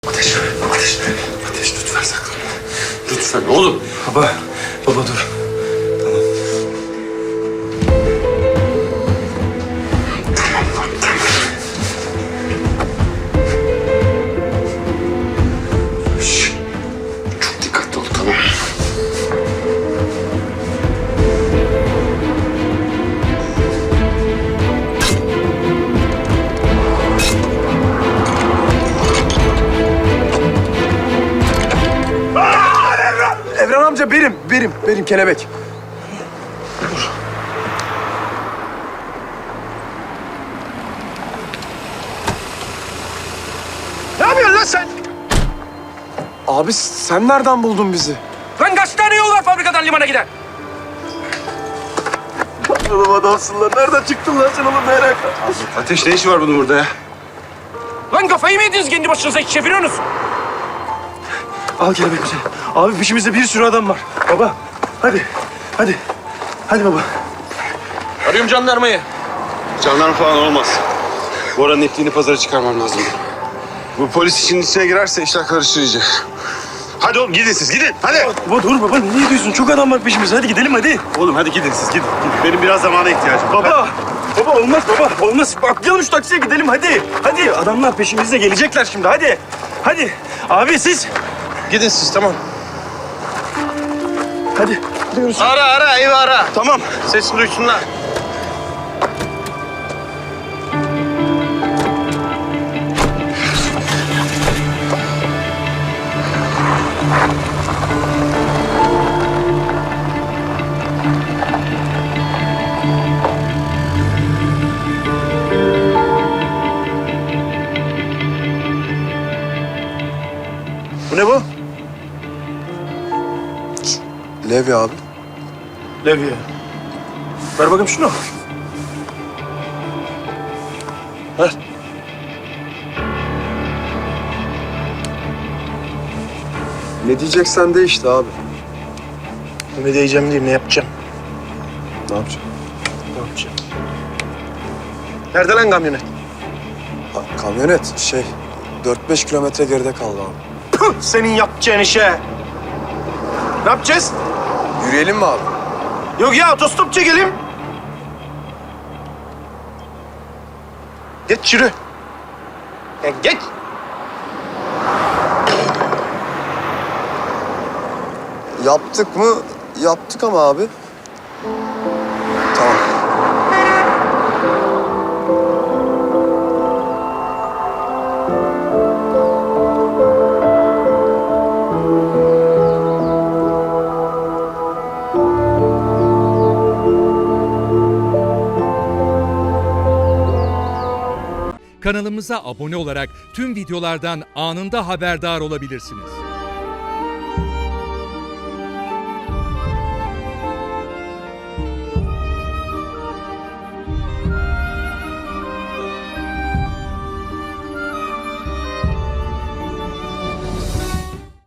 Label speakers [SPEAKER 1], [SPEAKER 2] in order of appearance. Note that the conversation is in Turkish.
[SPEAKER 1] Ateş, ateş, ateş lütfen saklanma. Lütfen oğlum.
[SPEAKER 2] Baba dur. Tamam.
[SPEAKER 1] Tamam lan, tamam. Şşş, çok dikkatli ol, tamam.
[SPEAKER 2] Evren amca benim kelebek.
[SPEAKER 3] Ne yapıyorsun lan sen?
[SPEAKER 2] Abi sen nereden buldun bizi?
[SPEAKER 3] Lan kaç tane yol var fabrikadan limana giden?
[SPEAKER 2] Oğlum adamsın lan. Nereden çıktın lan sen oğlum merak etme.
[SPEAKER 1] Ateş ne işi var bunun burada ya?
[SPEAKER 3] Lan kafayı mı yediniz kendi başınıza hiç çeviriyorsunuz?
[SPEAKER 2] Al kelebekimizi. Abi peşimizde bir sürü adam var. Baba hadi. Hadi baba.
[SPEAKER 3] Arıyorum jandarmayı.
[SPEAKER 1] Jandarma falan olmaz. Bora'nın ettiğini pazara çıkarmam lazım. Bu polis işinin içine girerse işler karışır iyice. Hadi oğlum gidin siz gidin hadi.
[SPEAKER 2] Baba dur baba niye diyorsun? Çok adam var peşimizde. Hadi gidelim hadi.
[SPEAKER 1] Oğlum hadi gidin siz gidin. Benim biraz zamana ihtiyacım var.
[SPEAKER 2] Baba olmaz baba. Olmaz. Atlayalım şu taksiye gidelim hadi. Hadi adamlar peşimizde gelecekler şimdi hadi. Hadi. Abi siz.
[SPEAKER 1] Gidin siz tamam.
[SPEAKER 2] Hadi. Gidiyoruz.
[SPEAKER 1] Ara evi ara. Tamam sesini duysunlar.
[SPEAKER 2] Bu ne bu?
[SPEAKER 4] Levi abi.
[SPEAKER 2] Levye. Ver bakayım şunu. Ver.
[SPEAKER 4] Ne diyeceksen de işte abi.
[SPEAKER 2] Ne diyeceğim diyeyim, ne yapacağım?
[SPEAKER 4] Ne yapacağım?
[SPEAKER 2] Ne yapacağım? Nerede lan kamyonet?
[SPEAKER 4] Kamyonet 4-5 kilometre geride kaldı abi.
[SPEAKER 2] Püh, senin yapacağın işe. Ne yapacağız?
[SPEAKER 4] Yürüyelim mi abi?
[SPEAKER 2] Yok ya, otostop çekelim. Geç yürü. Ya geç.
[SPEAKER 4] Yaptık mı? Yaptık ama abi. Tamam.
[SPEAKER 5] Kanalımıza abone olarak tüm videolardan anında haberdar olabilirsiniz.